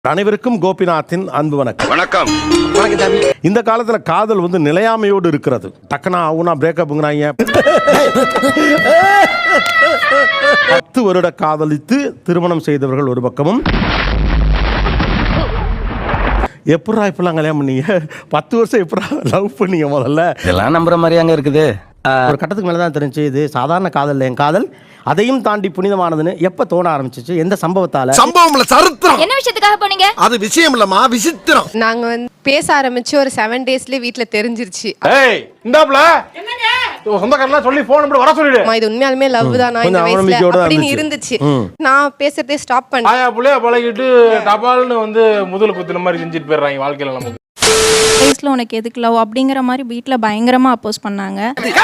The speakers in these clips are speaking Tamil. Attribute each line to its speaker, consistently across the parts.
Speaker 1: அனைவருக்கும் கோபிநாத்தின் அன்பு வணக்கம்.
Speaker 2: வணக்கம்.
Speaker 1: இந்த காலத்துல காதல் வந்து நிலையாமையோடு இருக்கிறது. டக்குனா ஆகுனா பிரேக்கப்புங்கிறாங்க. 10 வருட காதலித்து திருமணம் செய்தவர்கள் ஒரு பக்கமும், எப்படா இப்பெல்லாம் கல்யாணம் பண்ணீங்க, 10 வருஷம் எப்படா லவ் பண்ணீங்க முதல்ல,
Speaker 2: இதெல்லாம் நம்புற மாதிரி அங்க இருக்குது.
Speaker 1: ஒரு கட்டத்துக்கு மேலதான் தெரிஞ்சு இது சாதாரண காதல், என் காதல் அதையும் தாண்டி புனிதமானதுன்னு எப்ப தோண ஆரம்பிச்சிச்சு? எந்த சம்பவத்தால?
Speaker 3: சம்பவம்ல சரித்திரம்.
Speaker 4: என்ன விஷயத்துக்காக போனீங்க?
Speaker 3: அது விஷயம் இல்லமா, விசித்திரம்.
Speaker 5: நாங்க வந்து பேச ஆரம்பிச்சு ஒரு 7 டேஸ்லயே வீட்ல தெரிஞ்சிருச்சு.
Speaker 1: ஏய் இந்தாப்ல என்னங்க சொந்தக்காரலாம் சொல்லி போன் நம்பர் வர சொல்லிடு.
Speaker 5: இது உண்மையாலுமே லவ் தானா இந்த வயசுல அப்படின்னு இருந்துச்சு. நான் பேசுறதே ஸ்டாப் பண்ணேன்.
Speaker 6: ஆயா புள்ளைய பழகிட்டு டபால்னு வந்து முதல் குத்துன மாதிரி செஞ்சுட்டு போயிடுறாங்க வாழ்க்கையில. நமக்கு
Speaker 4: வயசுல உனக்கு எதுக்கு லவ் அப்படிங்கிற மாதிரி வீட்ல பயங்கரமா அப்போஸ் பண்ணாங்க.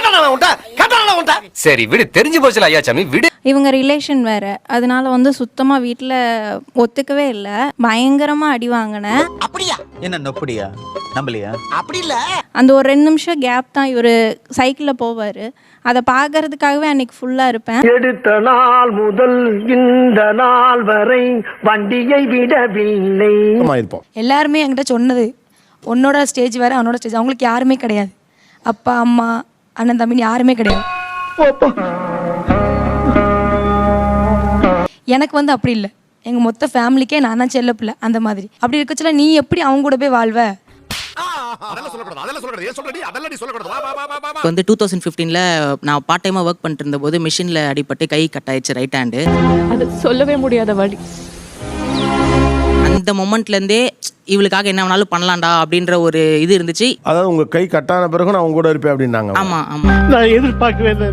Speaker 2: சரி விடு, தெரிஞ்சு போச்சுல ஐயா சாமி, விடு.
Speaker 4: இவங்க ரிலேஷன் வேற, அதனால வந்து சுத்தமா வீட்ல ஒத்துக்கவே இல்ல. பயங்கரமா அடி வாங்கினேன்.
Speaker 7: அப்படியா? என்ன நொப்படியா? நம்பலையா? அப்படி இல்ல.
Speaker 4: அந்த ஒரு 2 நிமிஷம் கேப் தான் இவரு சைக்கிள்ல போவாரு. அதை பாக்குறதுக்காகவே அன்னைக்கு ஃபுல்லா இருப்பேன்.
Speaker 8: எடுத்த நாள் முதல் இந்த நாள் வரை வண்டியை விடவில்லை.
Speaker 9: எல்லாருமே என்கிட்ட சொன்னது, உன்னோட ஸ்டேஜ் வேற அவனோட ஸ்டேஜ், அவங்களுக்கு யாருமே கிடையாது. அப்பா அம்மா அண்ணன் தம்பி யாருமே கிடையாது. எனக்கு வந்து அப்படி இல்லை, எங்க மொத்த ஃபேமிலிக்கே நான் தான் செல்ல பிள்ளை அந்த மாதிரி. அப்படி இருக்கச்சுல நீ எப்படி அவங்க கூட போய் வாழ்வ?
Speaker 10: வந்து 2015ல நான் பார்ட் டைமா ஒர்க் பண்ணிட்டு இருந்த போது மிஷின்ல அடிபட்டு கை கட் ஆயிடுச்சு, ரைட் ஹேண்டு.
Speaker 9: அது சொல்லவே முடியாத வலி.
Speaker 10: அந்த மொமெண்ட்ல இருந்தே இவளுக்காக என்ன வேணாலும் பண்ணலாம்டா அப்படின்ற ஒரு இது இருந்துச்சு.
Speaker 1: அதாவது உங்க கை கட்டான பிறகு நான் உங்க கூட இருப்பேன் அப்படின்னாங்க.
Speaker 10: ஆமா ஆமா,
Speaker 8: நான் எதிர்பார்க்கவே இல்லை.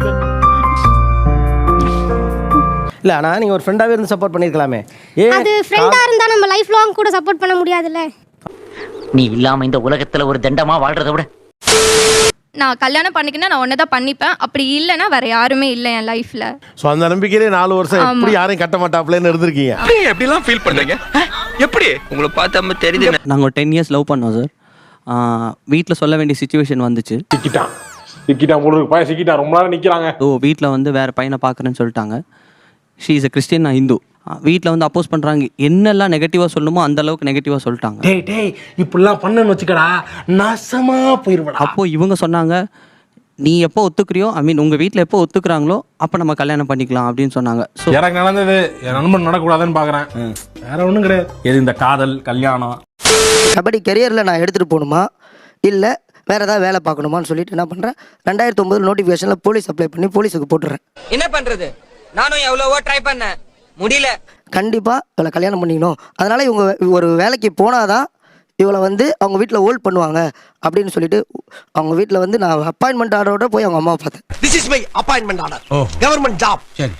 Speaker 7: இல்ல ஆனா நீங்க ஒரு ஃப்ரெண்டாவே இருந்து சப்போர்ட் பண்ணிருக்கலாமே.
Speaker 11: அது ஃப்ரெண்டா இருந்தா நம்ம லைஃப் லாங் கூட சப்போர்ட் பண்ண முடியாதுல்ல.
Speaker 7: நீ இல்லாம இந்த உலகத்துல ஒரு தண்டமா வாழ்றத விட
Speaker 4: நான் கல்யாணம் பண்ணிக்கினா நான் ஒன்னதான் பண்ணிப்பேன். அப்படி இல்லைன்னா வேற யாருமே இல்லை என் லைஃப்ல.
Speaker 1: சோ அந்த நம்பிக்கையிலே 4 வருஷம் எப்படி யாரையும் கட்ட மாட்டாப்லன்னு இருந்திருக்கீங்க.
Speaker 2: எப்படி எல்லாம் ஃபீல் பண்றீங்க? எப்படி உங்களை பார்த்தா தெரியுது?
Speaker 10: நாங்க ஒரு 10 இயர்ஸ் லவ் பண்ணோம் சார். வீட்டில் சொல்ல வேண்டிய சுச்சுவேஷன் வந்துச்சு.
Speaker 6: சிக்கிட்டான் உங்களுக்கு பையன் சிக்கிட்டான், ரொம்ப நேரம் நிக்கிறாங்க.
Speaker 10: ஸோ வீட்டில் வந்து வேற பையனை பார்க்குறேன்னு சொல்லிட்டாங்க. ஷீ இஸ் அ கிறிஸ்டியன், நான் ஹிந்து. வீட்டில் வந்து அப்போஸ் பண்ணுறாங்க. என்னெல்லாம் நெகட்டிவாக சொல்லணுமோ அந்த அளவுக்கு நெகட்டிவாக சொல்லிட்டாங்க.
Speaker 8: டேய் இப்படிலாம் பண்ணன்னு வச்சுக்கடா, நாசமா போயிருவடா.
Speaker 10: அப்போது இவங்க சொன்னாங்க, நீ எப்போ ஒத்துக்கிறியோ, ஐ மீன் உங்கள் வீட்டில் எப்போ ஒத்துக்குறாங்களோ அப்போ நம்ம கல்யாணம் பண்ணிக்கலாம் அப்படின்னு சொன்னாங்க. ஸோ
Speaker 6: எனக்கு நடந்தது என் நண்பன் நடக்கூடாதுன்னு பார்க்குறேன், வேற ஒன்றும் கிடையாது. எது இந்த காதல் கல்யாணம்.
Speaker 7: கபடி கெரியரில் நான் எடுத்துகிட்டு போகணுமா இல்லை வேற ஏதாவது வேலை பார்க்கணுமான்னு சொல்லிட்டு என்ன பண்ணுறேன், 2009 நோட்டிஃபிகேஷனில் போலீஸ் அப்ளை பண்ணி போலீஸுக்கு போட்டுறேன்.
Speaker 10: என்ன பண்ணுறது, நானும் எவ்வளவோ ட்ரை பண்ணேன், முடியல.
Speaker 7: கண்டிப்பாக இவளை கல்யாணம் பண்ணிக்கணும், அதனால் இவங்க ஒரு வேலைக்கு போனாதான் இவளை வந்து அவங்க வீட்டில் ஹோல்ட் பண்ணுவாங்க அப்படின்னு சொல்லிட்டு அவங்க வீட்டில் வந்து நான் அப்பாயின்மெண்ட் ஆர்டரோட போய் அவங்க அம்மாவை பார்த்தேன்.
Speaker 3: This is my appointment order. Government job. சரி.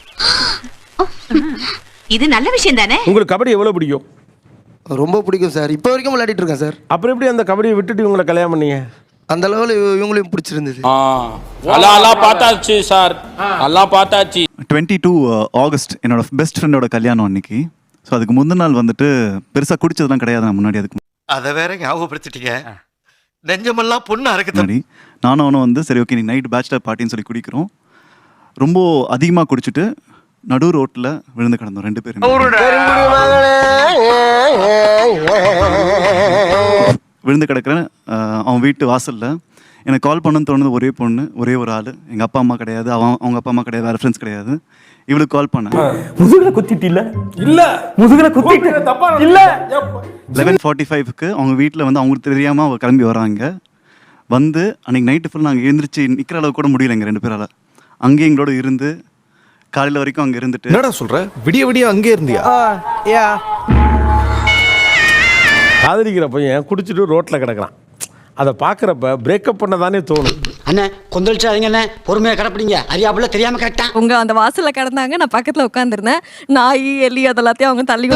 Speaker 9: இது நல்ல விஷயம் தானே.
Speaker 1: உங்களுக்கு கபடி எவ்வளவு பிடிக்கும்?
Speaker 7: ரொம்ப பிடிக்கும் சார், இப்போ வரைக்கும் விளையாடிட்டு இருக்கேன் சார்.
Speaker 1: அப்புறம் எப்படி அந்த கபடியை விட்டுட்டு இவங்களை கல்யாணம் பண்ணீங்க?
Speaker 7: அந்த லெவலில் இவங்களையும் பிடிச்சிருந்தது.
Speaker 6: எல்லாம் பார்த்தாச்சு சார், எல்லாம் பார்த்தாச்சு.
Speaker 12: 22 ஆகஸ்ட் என்னோட பெஸ்ட் ஃப்ரெண்டோட கல்யாணம் அன்னைக்கு. ஸோ அதுக்கு முந்தின நாள் வந்துட்டு பெருசாக குடிச்சதுலாம் கிடையாது. நான் முன்னாடி அதுக்கு
Speaker 3: அதை வேற ஞாபகப்படுத்திட்டீங்க, நெஞ்சமெல்லாம் பொண்ணா இருக்கு.
Speaker 12: முன்னாடி நானும் அவனும் வந்து சரி ஓகே நீ நைட் பேச்சுலர் பார்ட்டின்னு சொல்லி குடிக்கிறோம். ரொம்ப அதிகமாக குடிச்சிட்டு நடு ரோட்டில் விழுந்து கிடந்தோம் 2 பேரும். விழுந்து கிடக்கிறேன் அவன் வீட்டு வாசலில். எனக்கு கால் பண்ணணும்னு தோணுது ஒரே பொண்ணு, ஒரே ஒரு ஆள். எங்கள் அப்பா அம்மா கிடையாது, அவங்க அப்பா அம்மா கிடையாது, வேறு ஃப்ரெண்ட்ஸ் கிடையாது. இவளுக்கு கால் பண்ணேன்.
Speaker 8: முதுகுல குத்திட்டு இல்ல முதுகுல குத்திட்டு தப்பா இல்ல.
Speaker 12: 11:45க்கு அவங்க வீட்டில் வந்து அவங்களுக்கு தெரியாமல் அவங்க கிளம்பி வராங்க. வந்து அன்றைக்கி நைட்டு ஃபுல் நாங்கள் எழுந்திரிச்சு நிற்கிற அளவுக்கு கூட முடியல எங்கள் 2 பேரால். அங்கேயே எங்களோட இருந்து காலையில் வரைக்கும் அங்கே இருந்துட்டு.
Speaker 3: என்னடா சொல்ற, விடிய அங்கே இருந்தியா?
Speaker 1: காதலிக்கிற பையன் குடிச்சிட்டு ரோட்டில் கிடக்குறான். அதை பார்க்குறப்ப பிரேக்கப் பண்ண தானே தோணும்.
Speaker 7: அண்ணே கொந்தளிச்சாதீங்க அண்ணே, பொறுமையாக கிடப்பிடிங்க, அறியாப்புல தெரியாமல் கரெக்டா.
Speaker 9: உங்க அந்த வாசல்ல கிடந்தாங்க, நான் பக்கத்துல உட்காந்துருந்தேன். நாய் எலி அதெல்லாத்தையும் அவங்க தள்ளி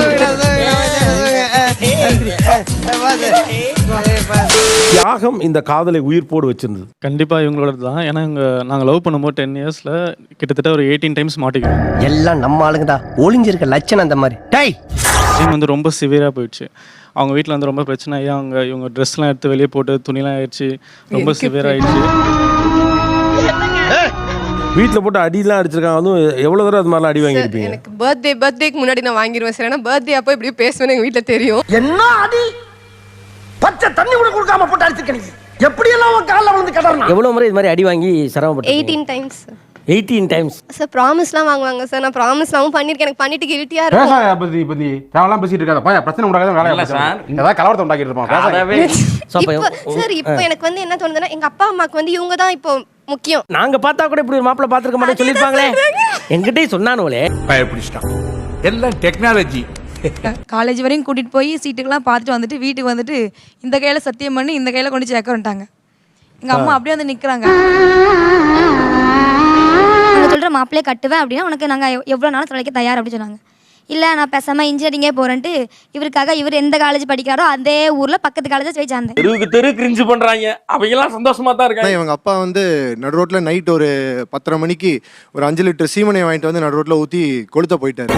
Speaker 1: தியாகம் இந்த காதலை உயிர் போடு வச்சிருந்தது.
Speaker 6: கண்டிப்பா இவங்களோட தான். ஏன்னா நாங்கள் லவ் பண்ணும்போது 10 இயர்ஸ்ல கிட்டத்தட்ட ஒரு 18 டைம்ஸ் மாட்டிக்கிறோம்.
Speaker 8: எல்லாம் நம்ம ஆளுங்க தான், ஒளிஞ்சிருக்க லட்சணம் அந்த மாதிரி. டேய்
Speaker 6: வந்து ரொம்ப சிவியராக போயிடுச்சு. அவங்க வீட்டில் வந்து ரொம்ப பிரச்சனை ஆகி இவங்க ட்ரெஸ்லாம் எடுத்து வெளியே போட்டு துணிலாம் ஆயிடுச்சு, ரொம்ப சிவியர் ஆயிடுச்சு.
Speaker 13: வீட்டில் போட்டு அடியெல்லாம் அடிச்சிருக்காங்க. அதுவும் எவ்வளோ தடவை அது மாதிரிலாம் அடி வாங்கியிருப்பீங்க?
Speaker 5: எனக்கு பர்த்டேக்கு முன்னாடி நான் வாங்கிடுவேன் சார். ஏன்னா பர்த்டே அப்போ இப்படி பேசுவேன்னு எங்கள் வீட்டில் தெரியும்.
Speaker 8: என்ன அடி பச்சை தண்ணி கூட கொடுக்காம போட்டு அடிச்சிருக்கீங்க. எப்படி எல்லாம் உன் காலில் விழுந்து கடறணும்.
Speaker 1: எவ்வளோ முறை இது மாதிரி அடி வாங்கி சிரமப்பட்டு?
Speaker 5: 18 டைம்ஸ்.
Speaker 1: 18 டைம்ஸ்
Speaker 5: சார் ப்ராமிஸ்லாம் வாங்குவாங்க சார். நான் ப்ராமிஸ்லாம் பண்ணியிருக்கேன். எனக்கு பண்ணிட்டு கில்ட்டியா இருக்கும்.
Speaker 8: பத்தி தேவலாம் பேசிட்டு இருக்காத. பா பிரச்சனை உண்டாகாத வேலை சார். ஏதாவது கலவரத்தை உண்டாக்கிட்டு இருப்போம்.
Speaker 5: சார் இப்போ எனக்கு வந்து என்ன தோணுதுன்னா எங்க அப்பா அம்மாக்கு வந்து இவங்க தான் இப்போ முக்கியம்.
Speaker 1: நாங்க பார்த்தா கூட இப்படி ஒரு மாப்பிள்ளை பார்த்துருக்க மாட்டேன்னு சொல்லியிருப்பாங்களே. எங்கிட்டே சொன்னானுங்களே.
Speaker 8: பயப்பிடிச்சிட்டான். எல்லாம் டெக்னாலஜி.
Speaker 9: காலேஜ் வரையும் கூட்டிகிட்டு போய் சீட்டுக்கெல்லாம் பார்த்துட்டு வந்துட்டு வீட்டுக்கு வந்துட்டு இந்த கையில் சத்தியம் பண்ணி இந்த கையில் கொண்டு சேர்க்க வந்துட்டாங்க. எங்கள் அம்மா அப்படியே வந்து நிற்கிறாங்க.
Speaker 11: அவங்க சொல்கிற மாப்பிள்ளையே கட்டுவேன் அப்படின்னா உனக்கு நாங்கள் எவ்வளோ நாளும் தொலைக்க தயார் அப்படின்னு சொன்னாங்க. இல்லை நான் பேசாமல் இன்ஜினியரிங்கே போகிறேன்ட்டு இவருக்காக இவர் எந்த காலேஜ் படிக்கிறாரோ அதே ஊரில் பக்கத்து காலேஜ் போய் சேர்ந்தேன்.
Speaker 8: தெரு கிரிஞ்சு பண்றாங்க. அவங்கெல்லாம் சந்தோஷமா தான் இருக்காங்க.
Speaker 12: இவங்க அப்பா வந்து நடு ரோட்ல நைட் ஒரு 10:30 மணிக்கு ஒரு 5 லிட்டர் சீமனை வாங்கிட்டு வந்து நடு ரோட்ல ஊற்றி கொளுத்த போயிட்டாரு.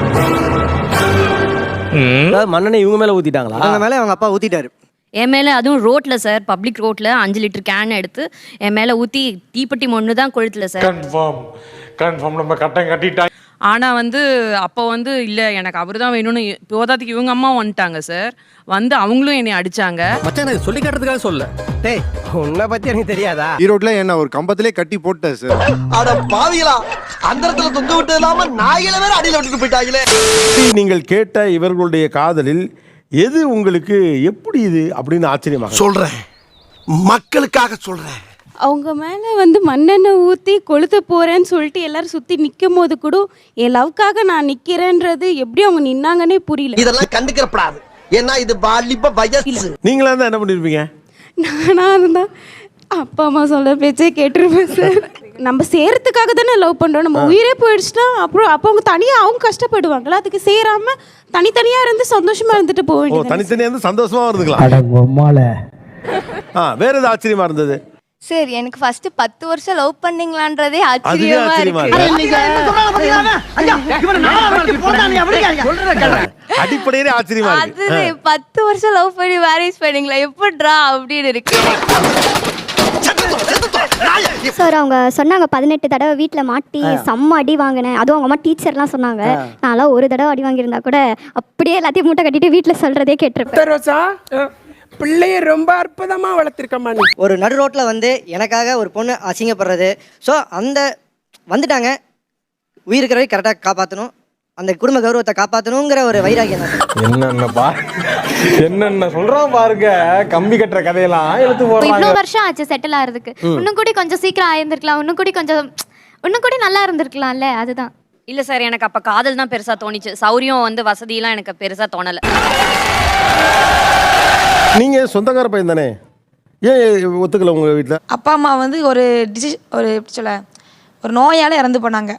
Speaker 1: மண்ணெண்ணெய் இவங்க மேலே ஊற்றிட்டாங்களா?
Speaker 7: அவங்க மேலே அவங்க அப்பா ஊற்றிட்டாரு.
Speaker 11: என் மேலே அதுவும் ரோட்டில் சார், பப்ளிக் ரோட்டில் 5 லிட்டர் கேன் எடுத்து என் மேலே ஊற்றி தீப்பெட்டி ஒன்று தான் கொளுத்தல சார்.
Speaker 8: கன்ஃபார்ம் நம்ம கட்டம் கட்டிட்டாங்க.
Speaker 9: ஆனால் வந்து அப்போ வந்து இல்லை எனக்கு அவர் தான் வேணும்னு போதாத்துக்கு இவங்க அம்மா வந்துட்டாங்க சார். வந்து அவங்களும் என்னை அடித்தாங்க.
Speaker 2: மச்சான் எனக்கு சொல்லி காட்டுறதுக்காக சொல்ல.
Speaker 1: டேய் உன்னை பற்றி எனக்கு தெரியாதா?
Speaker 12: ஈரோட்ல என்ன ஒரு கம்பத்திலே கட்டி போட்டார் சார்.
Speaker 8: அட பாவிகளா, அந்த இடத்துல தொங்க விட்டு இல்லாம நாயில வேற அடியில விட்டுட்டு போயிட்டாங்களே.
Speaker 13: நீங்கள் கேட்ட இவர்களுடைய காதலில் எது உங்களுக்கு எப்படி இது அப்படின்னு ஆச்சரியமாக
Speaker 8: சொல்றேன், மக்களுக்காக சொல்றேன்.
Speaker 4: அவங்க மேலே வந்து மண்ணெண்ணெய் ஊற்றி கொளுத்த போகிறேன்னு சொல்லிட்டு எல்லாரும் சுற்றி நிற்கும் போது கூட என் லவ்க்காக நான் நிற்கிறேன்றது எப்படி அவங்க நின்னாங்கன்னே புரியல.
Speaker 8: இதெல்லாம் கண்டுக்கிறப்படாது. ஏன்னா இது வாலிப வயசு.
Speaker 13: நீங்களா தான் என்ன பண்ணிருப்பீங்க?
Speaker 4: நானாக இருந்தா அப்பா அம்மா சொல்ல பேச்சே கேட்டுருப்பேன் சார். நம்ம சேரத்துக்காக தானே லவ் பண்ணுறோம். நம்ம உயிரே போயிடுச்சுன்னா அப்புறம் அப்போ அவங்க தனியாக அவங்க கஷ்டப்படுவாங்களா? அதுக்கு சேராம தனித்தனியாக இருந்து சந்தோஷமா இருந்துட்டு போக வேண்டியது.
Speaker 13: தனித்தனியாக இருந்து சந்தோஷமா இருந்துக்கலாம். வேற ஏதாவது ஆச்சரியமா இருந்தது?
Speaker 5: சார் எனக்கு ஃபர்ஸ்ட் 10 வருஷம் லவ் பண்ணீங்களான்றதே
Speaker 13: அதுவே
Speaker 5: ஆச்சரியமா
Speaker 13: ஆச்சரியமா
Speaker 5: இருக்கு.
Speaker 13: அடிப்படையிலே ஆச்சரியமா
Speaker 5: அது
Speaker 13: இருக்கு.
Speaker 5: 10 வருஷம் லவ் பண்ணி மேரேஜ் பண்ணீங்களா எப்படிடா அப்படின்னு இருக்கு.
Speaker 11: சார் அவங்க சொன்னாங்க 18 தடவை வீட்டில் மாட்டி செம்ம அடி வாங்கினேன். அதுவும் அவங்க அம்மா டீச்சர்லாம் சொன்னாங்க. நான்லாம் ஒரு தடவை அடி வாங்கியிருந்தா கூட அப்படியே எல்லாத்தையும் மூட்டை கட்டிட்டு வீட்டில் சொல்கிறதே கேட்டிருப்பேன்.
Speaker 8: பிள்ளைய ரொம்ப அற்புதமா வளர்த்திருக்கமா நீ.
Speaker 7: ஒரு நடு ரோட்டில் வந்து எனக்காக ஒரு பொண்ணு அசிங்கப்படுறது. ஸோ அந்த வந்துட்டாங்க, உயிர் இருக்கிறவை கரெக்டாக காப்பாற்றணும், அந்த குடும்ப கௌரவத்தை காப்பாற்றணுங்கிற ஒரு வைராகியம் தான்.
Speaker 8: என்னென்ன சொல்றோம் பாருங்க. கம்பி கட்டுற கதையெல்லாம் எடுத்து போறாங்க.
Speaker 11: இவ்வளோ வருஷம் ஆச்சு செட்டில் ஆகிறதுக்கு. இன்னும் கூட கொஞ்சம் சீக்கிரம் ஆயிருந்திருக்கலாம். இன்னும் கூட நல்லா இருந்திருக்கலாம்ல. அதுதான்.
Speaker 9: இல்லை சார், எனக்கு அப்போ காதல் தான் பெருசாக தோணிச்சு. சௌரியம் வந்து வசதியெல்லாம் எனக்கு பெருசாக தோணலை.
Speaker 13: நீங்க சொந்தக்கார பையன் தானே, ஏன் ஒத்துக்கல உங்க வீட்டில்?
Speaker 9: அப்பா அம்மா வந்து ஒரு எப்படி சொல்ல ஒரு நோயால் இறந்து போனாங்க.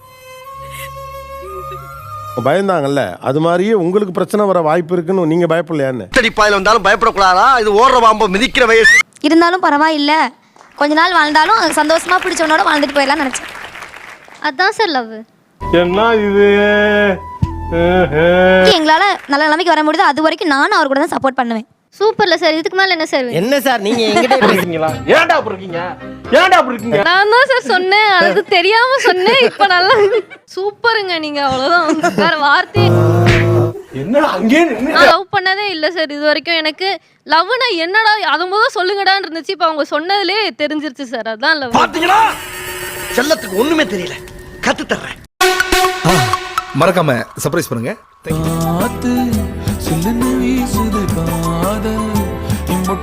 Speaker 13: பயந்தாங்கல்ல, அது மாதிரியே உங்களுக்கு பிரச்சனை வர வாய்ப்பு இருக்குன்னு நீங்க பயப்படலையான்னு?
Speaker 8: பாயில வந்தாலும் பயப்படக்கூடாதா? இது ஓடுற பாம்பு மிதிக்கிற வயசு.
Speaker 11: இருந்தாலும் பரவாயில்ல, கொஞ்ச நாள் வாழ்ந்தாலும் சந்தோஷமா பிடிச்சவனோட வாழ்ந்துட்டு போயிடலாம் நினைச்சேன். அதான் சார் லவ்.
Speaker 8: என்ன இது?
Speaker 11: எங்களால நல்ல நிலைமைக்கு வர முடியுது அது வரைக்கும் நானும் அவர் கூட தான் சப்போர்ட் பண்ணுவேன். சூப்பர்ல சார். இதுக்கு மேல என்ன சார்?
Speaker 1: என்ன சார் நீங்க எங்கிட்ட பேசுறீங்களா?
Speaker 8: ஏன்டா அப்படி இருக்கீங்க? ஏன்டா அப்படி இருக்கீங்க?
Speaker 4: நான் தான் சார் சொன்னேன், அது தெரியாம சொன்னேன். இப்போ நல்லா சூப்பருங்க நீங்க, அவ்வளோதான். வேற வார்த்தை.
Speaker 8: என்னடா அங்கே
Speaker 4: நான் லவ் பண்ணதே இல்லை சார் இது வரைக்கும். எனக்கு லவ்னா என்னடா அது முதல் சொல்லுங்கடான்னு இருந்துச்சு. இப்போ அவங்க சொன்னதுலே தெரிஞ்சிருச்சு சார். அதான் லவ்.
Speaker 8: பாத்தீங்களா? செல்லத்துக்கு ஒண்ணுமே தெரியல, கத்து தர்றேன். மறக்காம சர்ப்ரைஸ் பண்ணுங்க.